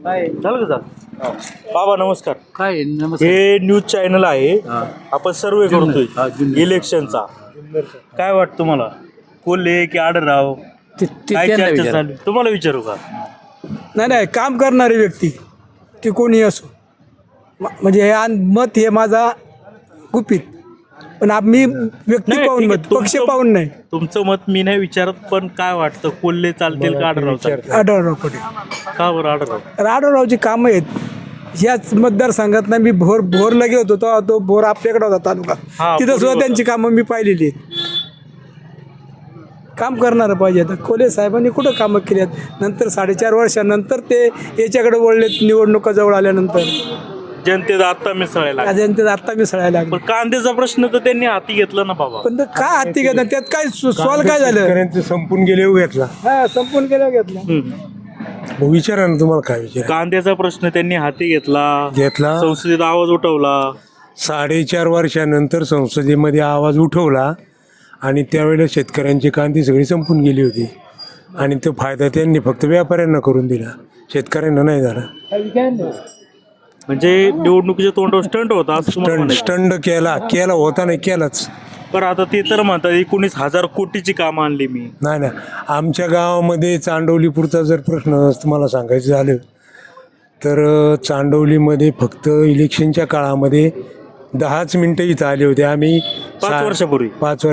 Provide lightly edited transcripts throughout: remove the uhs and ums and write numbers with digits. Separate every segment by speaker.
Speaker 1: झालं का बाबा नमस्कार.
Speaker 2: काय नमस्कार.
Speaker 1: हे न्यूज चॅनल आहे, आपण सर्वे करतोय इलेक्शनचा. काय वाटतं तुम्हाला, कोल्हे की आढळराव, काय चर्चा चालू? तुम्हाला विचारू का?
Speaker 3: नाही, काम करणारी व्यक्ती ती कोणी असो, म्हणजे हे मत हे माझा गुपित, पण मी व्यक्ती
Speaker 1: नाही,
Speaker 3: पाहून
Speaker 1: ठीक आहे,
Speaker 3: मत, पक्ष पाहून नाही.
Speaker 1: तुमचं मत मी नाही विचारत, पण काय वाटतं, कोल्हे चालतील का आढळराव चालतील?
Speaker 3: आढळराव पटेल.
Speaker 1: का बरं आढळराव?
Speaker 3: आढळरावची कामं आहेत ह्याच मतदारसंघात. मी भोरला गेलो होतो, तो भोर आपल्याकडे होता तालुका, तिथं सुद्धा त्यांची कामं मी पाहिलेली आहेत. काम करणारं पाहिजे. आता कोल्हे साहेबांनी कुठं कामं केली आहेत? नंतर 4.5 वर्षानंतर ते याच्याकडे वळलेत, निवडणुका जवळ आल्यानंतर
Speaker 1: जनतेचा आत्ता मिसळायला.
Speaker 3: आता मिसळायला लागले.
Speaker 1: पण कांद्याचा प्रश्न तर त्यांनी हाती घेतला ना बाबा.
Speaker 3: पण काय हाती घेतलं, त्यात काय सॉल्व काय झालं?
Speaker 4: संपून गेले घेतला.
Speaker 3: हा, संपून गेला घेतला.
Speaker 4: विचारा ना, तुम्हाला काय विचार?
Speaker 1: कांद्याचा प्रश्न त्यांनी हाती घेतला, संसदेत आवाज उठवला.
Speaker 4: 4.5 वर्षानंतर संसदेमध्ये आवाज उठवला आणि त्यावेळेला शेतकऱ्यांची कांदी सगळी संपून गेली होती आणि तो फायदा त्यांनी फक्त व्यापाऱ्यांना करून दिला, शेतकऱ्यांना नाही झाला.
Speaker 1: म्हणजे निवडणुकीच्या तोंडावर स्टंट होता असं तुम्हाला म्हणायचं?
Speaker 4: स्टंड केला होता, नाही केलाच.
Speaker 1: पण आता ते तर म्हणतात 19,000 कोटीची कामं आणली मी.
Speaker 4: नाही, आमच्या गावामध्ये चांडवलीपुरचा जर प्रश्न तुम्हाला सांगायचं झालं तर चांडवलीमध्ये फक्त इलेक्शनच्या काळामध्ये 10 मिनिटं इथं आले होते. आम्ही
Speaker 1: 5 वर्षापूर्वी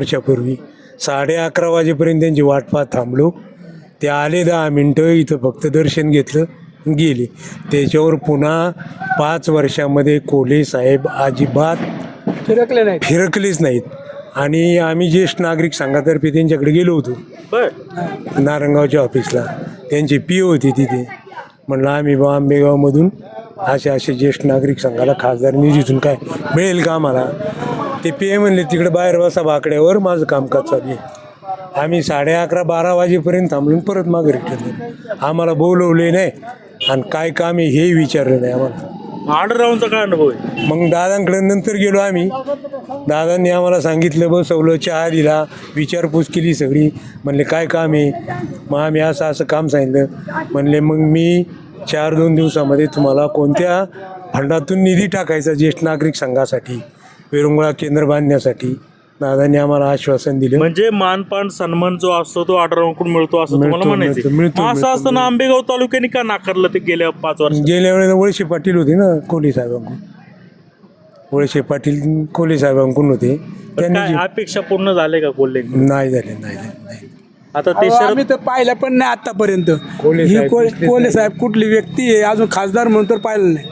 Speaker 4: 11:30 वाजेपर्यंत त्यांची वाट पाहत थांबलो. ते आले 10 मिनिटं, इथं फक्त दर्शन घेतलं, गेले. त्याच्यावर पुन्हा 5 वर्षामध्ये कोल्हे साहेब अजिबात फिरकलेच नाहीत. आणि आम्ही ज्येष्ठ नागरिक संघातर्फे त्यांच्याकडे गेलो होतो नारंगावच्या ऑफिसला, त्यांची पी होती तिथे. म्हणलं आम्ही आंबेगावमधून असे ज्येष्ठ नागरिक संघाला खासदार निधीतून काय मिळेल का आम्हाला? ते पी म्हणले तिकडे बाहेर बसा बाकड्यावर, माझं कामकाज चालू आहे. आम्ही 11:30-12 वाजेपर्यंत थांबलून परत मागे रिटर्न. आम्हाला बोलवले नाही आणि काय काम आहे हेही विचारलं नाही आम्हाला.
Speaker 1: आढळरावांचा काय अनुभव आहे?
Speaker 4: मग दादांकडे नंतर गेलो आम्ही. दादांनी आम्हाला सांगितलं, बसवलं, चहा दिला, विचारपूस केली सगळी. म्हणले काय काम आहे? मग आम्ही असं काम सांगितलं. म्हणले मग मी 4-2 दिवसामध्ये तुम्हाला कोणत्या फंडातून निधी टाकायचा ज्येष्ठ नागरिक संघासाठी, विरंगुळा केंद्र बांधण्यासाठी. दादांनी आम्हाला आश्वासन दिलं.
Speaker 1: म्हणजे मानपान सन्मान जो असतो तो आढळरावांकडून मिळतो असं तुम्हाला म्हणायचं? असं असताना आंबेगाव तालुक्याने का नाकारलं ते गेल्या 5 वर्ष?
Speaker 4: गेल्या वेळेला वळसे पाटील होते ना कोल्हे साहेबांकडून. वळसे पाटील कोल्हे साहेबांकडून होते.
Speaker 1: काय अपेक्षा पूर्ण झाले का कोल्हे?
Speaker 4: नाही झाले.
Speaker 1: आता ते
Speaker 3: आम्ही तर पाहिलं पण नाही आतापर्यंत. कोल्हे साहेब कुठली व्यक्ती आहे अजून खासदार म्हणून तर पाहिलं नाही.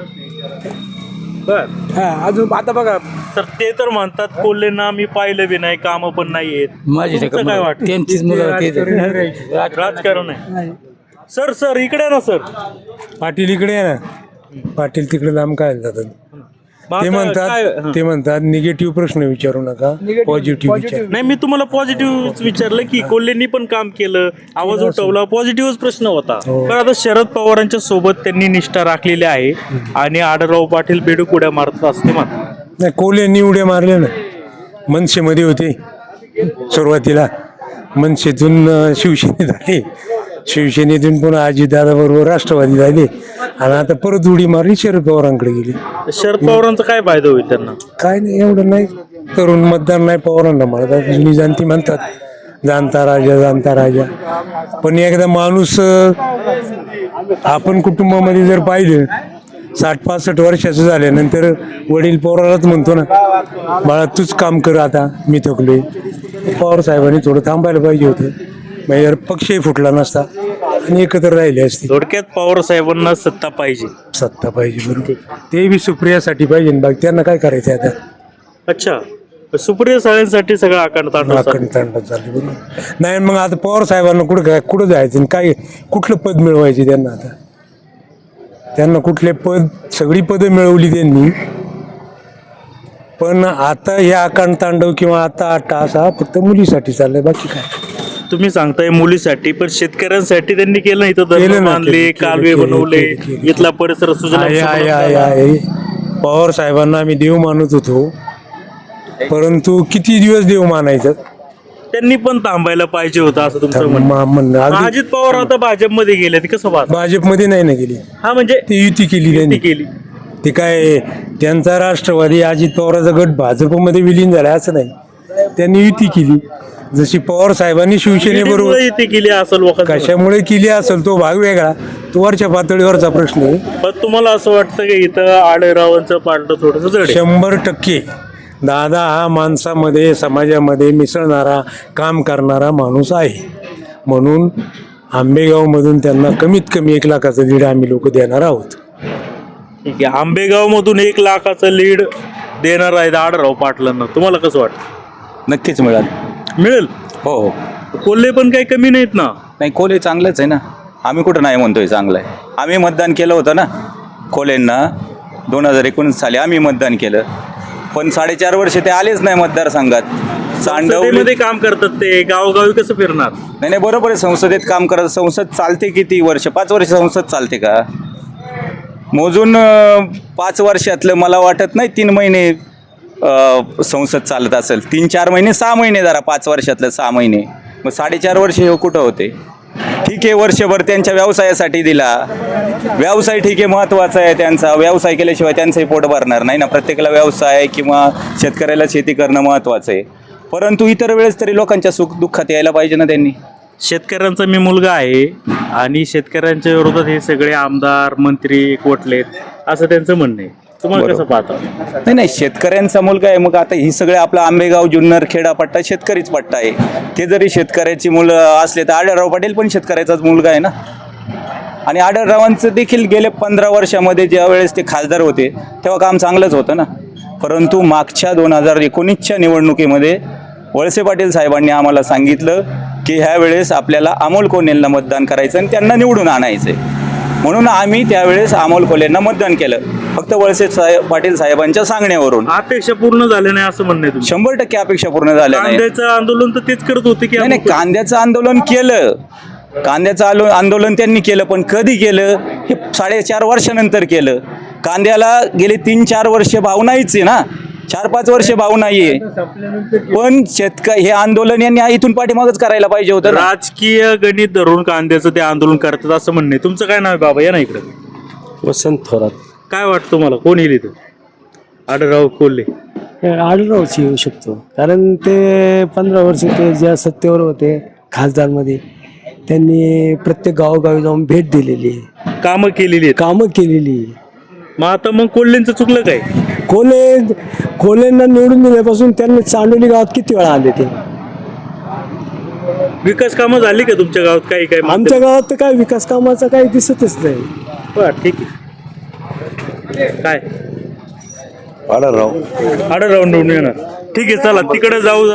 Speaker 3: अजून आता बघा,
Speaker 1: तर ते तर म्हणतात कोल्हेंना मी पाहिलं बी नाही, कामं पण नाही आहेत. तुमचं काय वाटतं?
Speaker 2: त्यांचीच मुलं
Speaker 1: राजकारण आहे. सर इकडे ना सर.
Speaker 4: पाटील इकडे आहे ना, पाटील तिकडे लांब काय जातात.
Speaker 1: मग
Speaker 4: ते
Speaker 1: आता
Speaker 4: म्हणतात निगेटिव्ह प्रश्न विचारू नका, पॉझिटिव्ह विचार.
Speaker 1: नाही, मी तुम्हाला पॉझिटिव्ह विचारलं की कोल्हेंनी पण काम केलं, आवाज उठवला, पॉझिटिव्हच प्रश्न होता. पण आता शरद पवारांच्या सोबत त्यांनी निष्ठा राखलेली आहे आणि आढळराव पाटील बेडूक उड्या मारतात असते म्हणतात.
Speaker 4: नाही, कोल्हेंनी उड्या मारल्या ना. मनसेमध्ये होते सुरुवातीला, मनसेतून शिवसेनेत आले, शिवसेनेतून पुन्हा अजितदादा बरोबर राष्ट्रवादी झाले आणि आता परत उडी मारली, शरद पवारांकडे गेली.
Speaker 1: शरद पवारांचा काय फायदा होईल त्यांना? काय
Speaker 4: नाही, एवढं नाही. तरुण मतदार नाही पवारांना म्हणतात, जुनी जाणती म्हणतात जाणता राजा. पण एकदा माणूस आपण कुटुंबामध्ये जर पाहिलं 60-65 वर्षाचं झाल्यानंतर वडील पोरालाच म्हणतो ना, बाळा तूच काम कर आता, मी थकलोय. पवार साहेबांनी थोडं थांबायला पाहिजे होतं, म्हणजे पक्षही फुटला नसता आणि एकत्र राहिले असते.
Speaker 1: थोडक्यात पवार साहेबांना सत्ता पाहिजे.
Speaker 4: बरोबर. ते बी सुप्रियासाठी पाहिजे, बाकी त्यांना काय करायचं आता.
Speaker 1: अच्छा, सुप्रिया साहेबांसाठी सगळं आकांड
Speaker 4: झाले. बरोबर. नाही, मग आता पवार साहेबांना कुठं जायचं, काय कुठलं पद मिळवायचे त्यांना? आता त्यांना कुठले सगळी पदं मिळवली त्यांनी, पण आता हे आकांड तांडव किंवा आता टास हा फक्त मुलीसाठी चाललाय, बाकी काय.
Speaker 1: तुम्ही सांगताय मुलीसाठी, पण शेतकऱ्यांसाठी त्यांनी केलं. इथं धरण बांधले, कालवे बनवले, इथला परिसर
Speaker 4: पवार साहेबांना आम्ही देव मानत होतो, परंतु किती दिवस देव मानायचं?
Speaker 1: त्यांनी पण थांबायला पाहिजे होतं असं तुमचं म्हणणं.
Speaker 4: म्हणणं अगदी
Speaker 1: अजित पवार आता भाजपमध्ये गेले ते कसं पाहता?
Speaker 4: भाजपमध्ये नाही ना गेली,
Speaker 1: हा म्हणजे
Speaker 4: ती युती केली
Speaker 1: ती
Speaker 4: त्यांनी.
Speaker 1: केली.
Speaker 4: ते काय त्यांचा राष्ट्रवादी अजित पवाराचा गट भाजपमध्ये विलीन झाला असं नाही, त्यांनी युती केली. जशी पवार साहेबांनी शिवसेनेबरोबर
Speaker 1: ईडीमुळे ती केली असं लोकांचं म्हणणं.
Speaker 4: कशामुळे केली असेल तो भाग वेगळा, तो वरच्या पातळीवरचा प्रश्न आहे.
Speaker 1: पण तुम्हाला असं वाटतं की इथं आढळरावांचं पार्ट थोडंसं जड आहे?
Speaker 4: 100% दादा हा माणसामध्ये समाजामध्ये मिसळणारा काम करणारा माणूस आहे, म्हणून आंबेगावमधून त्यांना कमीत कमी 1 लाखाचं लीड आम्ही लोक देणार आहोत.
Speaker 1: ठीक आहे. आंबेगाव मधून 1 लाखाचं लीड देणार आहेत आढळराव पाटलांना. तुम्हाला कसं वाटतं?
Speaker 2: नक्कीच मिळाल.
Speaker 1: मिळेल?
Speaker 2: हो हो.
Speaker 1: कोल्हे पण काही कमी नाहीत ना.
Speaker 2: नाही, कोल्हे चांगलंच आहे ना, आम्ही कुठं नाही म्हणतोय चांगलं आहे. आम्ही मतदान केलं होतं ना कोल्हेंना 2019 साली आम्ही मतदान केलं, पण 4.5 वर्ष ते आलेच नाही मतदारसंघात. सांडवली
Speaker 1: संसदेमध्ये काम करतात ते, गावोगावी कसं फिरणार?
Speaker 2: नाही नाही, बरोबर आहे, संसदेत काम करत. संसद चालते किती वर्ष? 5 वर्ष संसद चालते का? मोजून 5 वर्षातलं मला वाटत नाही 3 महिने संसद चालत असेल. 3-4 महिने, 6 महिने, जरा 5 वर्षातलं 6 महिने, मग 4.5 वर्ष हे कुठं होते? ठीक आहे, वर्षभर त्यांच्या व्यवसायासाठी दिला. व्यवसाय ठीक आहे, महत्त्वाचा आहे त्यांचा. व्यवसाय केल्याशिवाय त्यांचंही पोट भरणार नाही ना. प्रत्येकाला व्यवसाय किंवा शेतकऱ्याला शेती करणं महत्त्वाचं आहे, परंतु इतर वेळेस तरी लोकांच्या सुख दुःखात यायला पाहिजे ना त्यांनी.
Speaker 1: शेतकऱ्यांचा मी मुलगा आहे आणि शेतकऱ्यांच्या विरोधात हे सगळे आमदार मंत्री एकवटलेत असं त्यांचं म्हणणं आहे. तुम्हाला कसं पाहता?
Speaker 2: नाही नाही, शेतकऱ्यांचा मुलगा आहे, मग आता ही सगळे आपला आंबेगाव जुन्नर खेडा पट्टा शेतकरीच पट्टा आहे. ते जरी शेतकऱ्याची मुलं असले तर आढळराव पाटील पण शेतकऱ्याचाच मुलगा आहे ना. आणि आढळरावांचं देखील गेले 15 वर्षामध्ये ज्या वेळेस ते खासदार होते तेव्हा काम चांगलंच होतं ना. परंतु मागच्या 2019च्या निवडणुकीमध्ये वळसे पाटील साहेबांनी आम्हाला सांगितलं की ह्या वेळेस आपल्याला अमोल कोल्हेंना मतदान करायचं आणि त्यांना निवडून आणायचं आहे. म्हणून आम्ही त्यावेळेस अमोल कोल्हेंना मतदान केलं, फक्त वळसे पाटील साहेबांच्या सांगण्यावरून.
Speaker 1: अपेक्षा पूर्ण झाल्या नाही असं म्हणणं आहे तुमचं?
Speaker 2: 100% अपेक्षा पूर्ण झाल्या नाही.
Speaker 1: कांद्याचं आंदोलन तर तेच करत होते की
Speaker 2: नाही नाही, कांद्याचं आंदोलन केलं, कांद्याचं आंदोलन त्यांनी केलं, पण कधी केलं? हे 4.5 वर्षानंतर केलं. कांद्याला गेले 3-4 वर्ष भाव नाहीच आहे ना, 4-5 वर्ष भाव नाहीये. पण हे आंदोलन यांनी इथून पाठीमागच करायला पाहिजे होतं ना.
Speaker 1: राजकीय गणित धरून कांद्याचं ते आंदोलन करतात असं म्हणणं आहे. तुमचं काय नाव आहे बाबा? या ना इकडे.
Speaker 5: वसंत थोरात.
Speaker 1: काय वाटतं तुम्हाला, कोण येईल इथं? आढळराव कोल्हे?
Speaker 5: आढळरावची येऊ शकतो, कारण ते 15 वर्ष ते ज्या सत्तेवर होते खासदारमध्ये, त्यांनी प्रत्येक गावोगावी जाऊन भेट दिलेली आहे,
Speaker 1: कामं केलेली आहेत.
Speaker 5: कामं केलेली आहे.
Speaker 1: मग आता मग कोल्हेंचं चुकलं काय?
Speaker 5: कोल्हेंना निवडून दिल्यापासून त्यांनी चांडोली गावात किती वेळा आले ते?
Speaker 1: विकास कामं झाली का तुमच्या गावात? काही काय
Speaker 5: आमच्या गावात तर काय विकास कामाचा काही दिसतच नाही.
Speaker 1: बरं, ठीक आहे. काय
Speaker 6: आढळराव
Speaker 1: आढळराव निवडून येणार? ठीक आहे, चला तिकडे जाऊ.